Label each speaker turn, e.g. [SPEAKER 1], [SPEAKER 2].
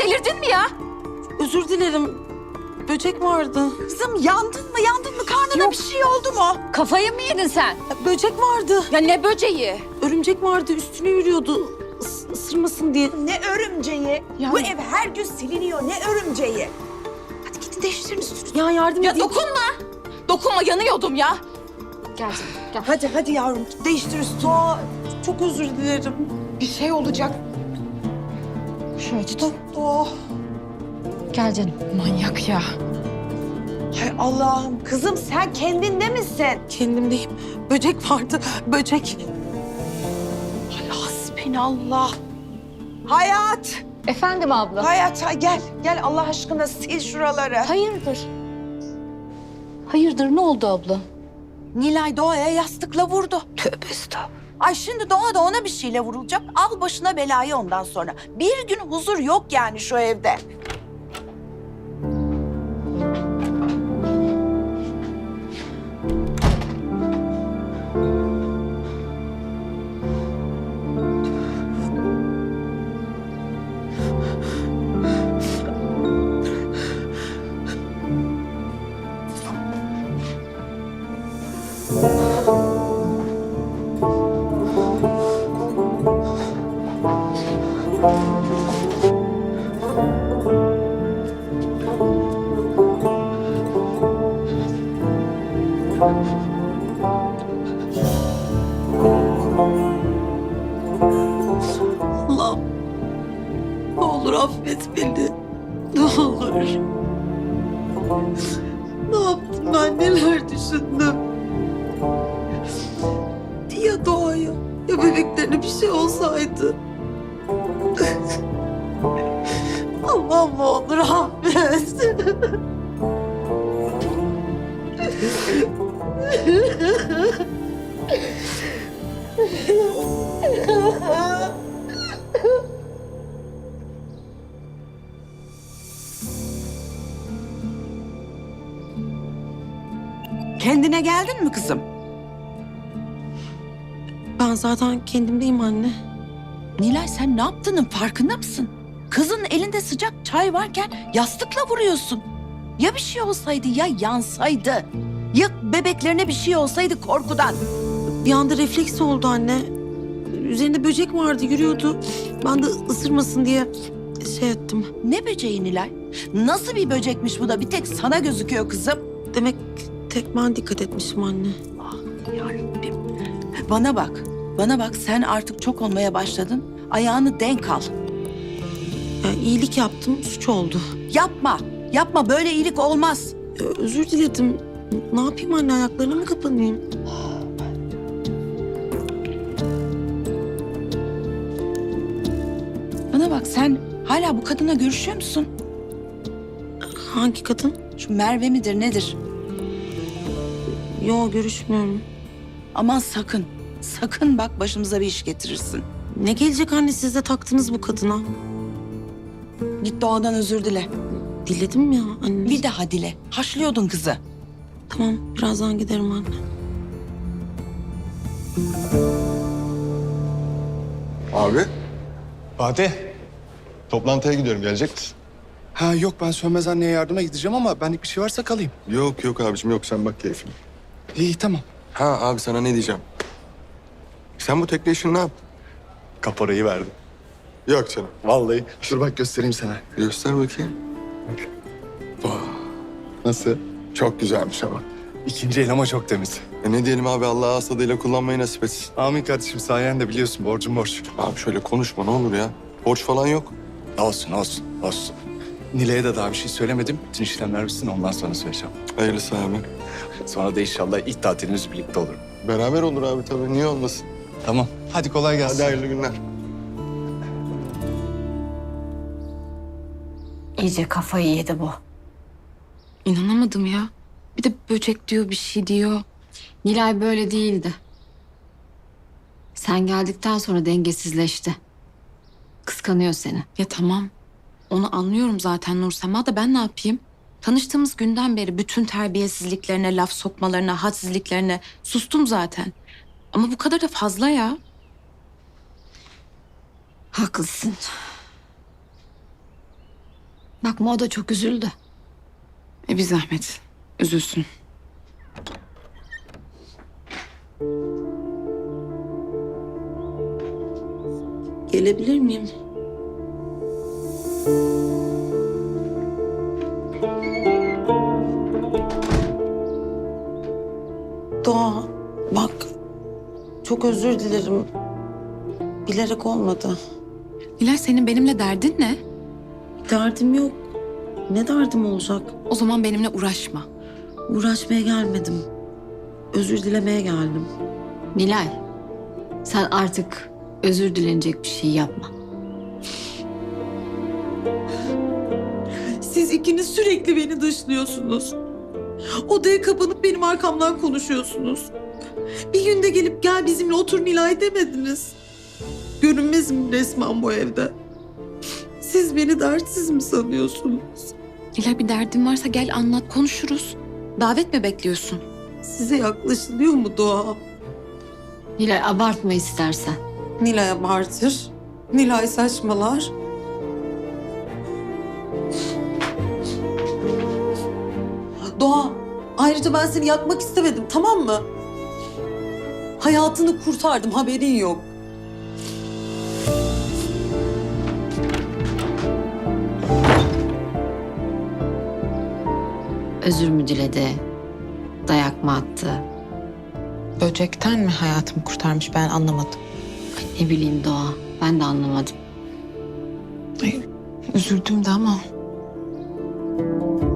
[SPEAKER 1] delirdin mi ya?
[SPEAKER 2] Özür dilerim. Böcek vardı.
[SPEAKER 3] Kızım yandın mı yandın mı? Karnına bir şey oldu mu?
[SPEAKER 1] Kafayı mı yedin sen?
[SPEAKER 2] Böcek vardı.
[SPEAKER 1] Ya ne böceği?
[SPEAKER 2] Örümcek vardı. Üstüne yürüyordu. Isırmasın diye.
[SPEAKER 3] Ne örümceği? Bu ev her gün siliniyor. Ne örümceği? Hadi gidin değiştirin üstünüzü.
[SPEAKER 2] Ya yardım
[SPEAKER 1] Ya
[SPEAKER 2] edeyim.
[SPEAKER 1] dokunma. Dokunma, yanıyordum ya. Gel canım, gel.
[SPEAKER 3] Hadi yavrum değiştir üstünü.
[SPEAKER 2] Çok özür dilerim.
[SPEAKER 1] Bir şey olacak. Şöyle tut.
[SPEAKER 3] Oh.
[SPEAKER 1] Gel canım. Manyak ya.
[SPEAKER 3] Hay Allah'ım kızım sen kendinde misin?
[SPEAKER 2] Kendimdeyim. Böcek vardı. Böcek.
[SPEAKER 3] Hay hasbinallah. Hayat.
[SPEAKER 1] Efendim abla.
[SPEAKER 3] Hayat gel Allah aşkına sil şuraları.
[SPEAKER 1] Hayırdır? Hayırdır, ne oldu abla?
[SPEAKER 3] Nilay Doğa'ya yastıkla vurdu.
[SPEAKER 1] Tövbe estağfurullah.
[SPEAKER 3] Ay şimdi Doğa da ona bir şeyle vurulacak. Al başına belayı ondan sonra. Bir gün huzur yok yani şu evde.
[SPEAKER 2] Allah'ım. Ne olur affet beni. Ne olur. Ne yaptım ben? Neler düşündüm? Ya Doğa'ya, ya bebeklerine bir şey olsaydı. Allah'ım ne olur affet.
[SPEAKER 3] Kendine geldin mi kızım?
[SPEAKER 2] Ben zaten kendimdeyim anne.
[SPEAKER 3] Nilay sen ne yaptığının farkında mısın? Kızın elinde sıcak çay varken yastıkla vuruyorsun. Ya bir şey olsaydı ya yansaydı. Ya bebeklerine bir şey olsaydı korkudan.
[SPEAKER 2] Bir anda refleks oldu anne. Üzerinde böcek vardı, yürüyordu. Ben de ısırmasın diye şey ettim.
[SPEAKER 3] Ne böceği Nilay? Nasıl bir böcekmiş bu da bir tek sana gözüküyor kızım.
[SPEAKER 2] Demek tek ben dikkat etmişim anne.
[SPEAKER 3] Yarabbim. Bana bak sen artık çok olmaya başladın. Ayağını denk al.
[SPEAKER 2] Yani iyilik yaptım, suç oldu.
[SPEAKER 3] Yapma böyle iyilik olmaz.
[SPEAKER 2] Özür diledim. Ne yapayım anne, ayaklarına mı kapanayım?
[SPEAKER 3] Bana bak sen hala bu kadına görüşüyor musun?
[SPEAKER 2] Hangi kadın?
[SPEAKER 3] Şu Merve midir nedir?
[SPEAKER 2] Yo, görüşmüyorum.
[SPEAKER 3] Aman sakın bak başımıza bir iş getirirsin.
[SPEAKER 2] Ne gelecek anne, siz de taktınız bu kadına.
[SPEAKER 3] Git Doğa'dan özür dile.
[SPEAKER 2] Diledim ya anne.
[SPEAKER 3] Bir daha dile. Haşlıyordun kızı.
[SPEAKER 2] Tamam, birazdan giderim anne.
[SPEAKER 4] Abi,
[SPEAKER 5] Fatih.
[SPEAKER 4] toplantıya gidiyorum. Gelecek misin?
[SPEAKER 5] Ha yok, ben Sönmez anneye yardıma gideceğim ama benlik bir şey varsa kalayım.
[SPEAKER 4] Yok abicim yok. Sen bak keyfine.
[SPEAKER 5] İyi tamam.
[SPEAKER 4] Ha abi sana ne diyeceğim? Sen bu tekne işini ne yaptın?
[SPEAKER 5] Kaporayı verdim.
[SPEAKER 4] Yok canım.
[SPEAKER 5] Vallahi. Dur bak göstereyim sana.
[SPEAKER 4] Göster bakayım.
[SPEAKER 5] Nasıl?
[SPEAKER 4] Çok güzelmiş ama.
[SPEAKER 5] İkinci el ama çok temiz.
[SPEAKER 4] Ne diyelim abi Allah ağız tadıyla kullanmayı nasip etsin.
[SPEAKER 5] Amin kardeşim, sayende biliyorsun borcum borç.
[SPEAKER 4] Abi şöyle konuşma ne olur ya. Borç falan yok.
[SPEAKER 5] Olsun. Nilay'a da daha bir şey söylemedim. Bütün işlemler bitsin, ondan sonra söyleyeceğim.
[SPEAKER 4] Hayırlısı abi.
[SPEAKER 5] Sonra da inşallah ilk tatilimiz birlikte olur.
[SPEAKER 4] Beraber olur abi tabii. Niye olmasın?
[SPEAKER 5] Tamam. Hadi kolay gelsin.
[SPEAKER 4] Hadi hayırlı günler.
[SPEAKER 1] İyice kafayı yedi bu. İnanamadım ya. Bir de böcek diyor, bir şey diyor.
[SPEAKER 6] Nilay böyle değildi. Sen geldikten sonra dengesizleşti. Kıskanıyor seni.
[SPEAKER 1] Ya tamam. Onu anlıyorum zaten Nursema da ben ne yapayım? Tanıştığımız günden beri bütün terbiyesizliklerine, laf sokmalarına, hadsizliklerine sustum zaten. Ama bu kadar da fazla ya.
[SPEAKER 6] Haklısın. Bakma o da çok üzüldü.
[SPEAKER 1] Bir zahmet. Üzülsün.
[SPEAKER 2] Gelebilir miyim? Doğa, bak. Çok özür dilerim. Bilerek olmadı.
[SPEAKER 1] Nilay senin benimle derdin ne?
[SPEAKER 2] Derdim yok. Ne derdim olacak?
[SPEAKER 1] O zaman benimle uğraşma.
[SPEAKER 2] Uğraşmaya gelmedim. Özür dilemeye geldim.
[SPEAKER 6] Nilay, sen artık özür dilenecek bir şey yapma.
[SPEAKER 2] Siz ikiniz sürekli beni dışlıyorsunuz. Odaya kapanıp benim arkamdan konuşuyorsunuz. Bir günde gelip gel bizimle otur Nilay demediniz. Görünmezim resmen bu evde. Siz beni dertsiz mi sanıyorsunuz?
[SPEAKER 1] Nilay bir derdin varsa gel anlat konuşuruz. Davet mi bekliyorsun?
[SPEAKER 2] Size yaklaşılıyor mu Doğa?
[SPEAKER 6] Nilay abartma istersen.
[SPEAKER 2] Nilay abartır. Nilay saçmalar. Doğa, ayrıca ben seni yakmak istemedim, tamam mı? Hayatını kurtardım, haberin yok.
[SPEAKER 6] Özür mü diledi? Dayak mı attı?
[SPEAKER 7] Böcekten mi hayatımı kurtarmış ben anlamadım.
[SPEAKER 6] Ay, ne bileyim Doğa. Ben de anlamadım.
[SPEAKER 7] Üzüldüm de ama